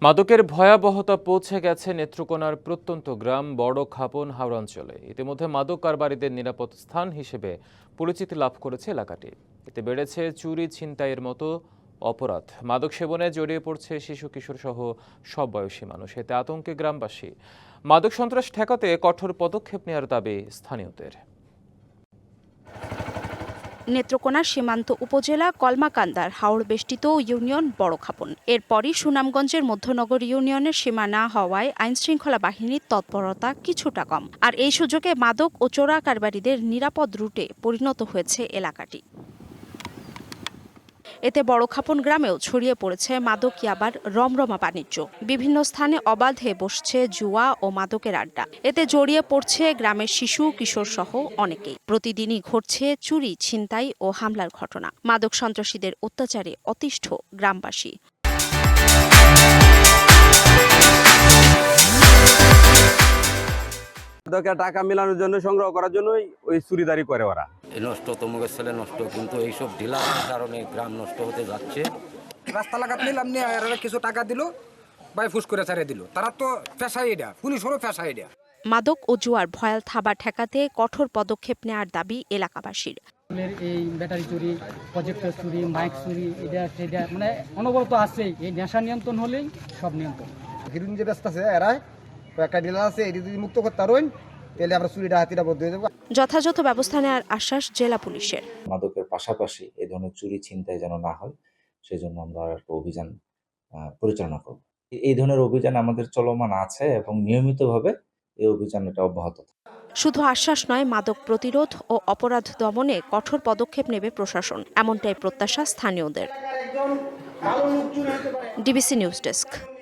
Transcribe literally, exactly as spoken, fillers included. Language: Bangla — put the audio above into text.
মাদকের ভয়াবহতা পৌঁছে গেছে নেত্রকোনার প্রত্যন্ত গ্রাম বড় খাপন হাওড় অঞ্চলে। ইতিমধ্যে মাদক কারবারিদের নিরাপদ স্থান হিসেবে পরিচিতি লাভ করেছে এলাকাটি। এতে বেড়েছে চুরি ছিনতাইয়ের মতো অপরাধ। মাদক সেবনে জড়িয়ে পড়ছে শিশু কিশোর সহ সব বয়সী মানুষ। এতে আতঙ্কে গ্রামবাসী। মাদক সন্ত্রাস ঠেকাতে কঠোর পদক্ষেপ নেওয়ার দাবি স্থানীয়দের। নেত্রকোনার সীমান্ত উপজেলা কলমাকান্দার হাওড় বেষ্টিত ইউনিয়ন বড়খাপন। এরপরই সুনামগঞ্জের মধ্যনগর ইউনিয়নের সীমানা হওয়ায় আইনশৃঙ্খলা বাহিনীর তৎপরতা কিছুটা কম। আর এই সুযোগে মাদক ও চোরা কারবারিদের নিরাপদ রুটে পরিণত হয়েছে এলাকাটি। এতে বড়খাপন গ্রামেও ছড়িয়ে পড়েছে মাদক ইয়াবার রমরমা বাণিজ্য। বিভিন্ন স্থানে অবাধে বসছে জুয়া ও মাদকের আড্ডা। এতে জড়িয়ে পড়ছে গ্রামের শিশু কিশোর সহ অনেকেই। প্রতিদিনই ঘটছে চুরি ছিনতাই ও হামলার ঘটনা। মাদক সন্ত্রাসীদের অত্যাচারে অতিষ্ঠ গ্রামবাসী। টাকা মেলানোর জন্য, সংগ্রহ করার জন্যই ওই চুরিদারি করে ওরা। নষ্ট তমুকের ছেলে নষ্ট, কিন্তু এইসব ঢিলার কারণে গ্রাম নষ্ট হতে যাচ্ছে। রাস্তা লাগাত নিলাম নিয়ে এরা কিছু টাকা দিল, বাই ফুস করে ছাড়িয়ে দিল। তারা তো পেশাই এটা, পুলিশেরও পেশা এটা। মাদক ও জুয়ার ভয়াল থাবা ঠেকাতে কঠোর পদক্ষেপ নেওয়ার দাবি এলাকাবাসীর। এই ব্যাটারি চুরি, প্রজেক্টর চুরি, মাইক চুরি, এটা সেটা মানে অনবরত আছে। এই নেশা নিয়ন্ত্রণ হলেই সব নিয়ন্ত্রণ। হিরোইন যে ব্যস্ত আছে এরাই একটা ডিলার আছে, এটি যদি মুক্ত করতে পারেন তাহলে আমরা চুরিটা হাতিটা বন্ধ হয়ে যাবো। যথাযথ ব্যবস্থা নেওয়ার আশ্বাস জেলা পুলিশের। মাদকের পাশাপাশি এই ধরনের চুরি ছিনতাই যেন না হয়, সেজন্য আমরা একটা অভিযান পরিচালনা করব। এই ধরনের অভিযান আমাদের চলমান আছে এবং নিয়মিতভাবে এই অভিযান এটা অব্যাহত থাকে। শুধু আশ্বাস নয়, মাদক প্রতিরোধ ও অপরাধ দমনে কঠোর পদক্ষেপ নেবে প্রশাসন, এমনটাই প্রত্যাশা স্থানীয়দের। DBC news desk.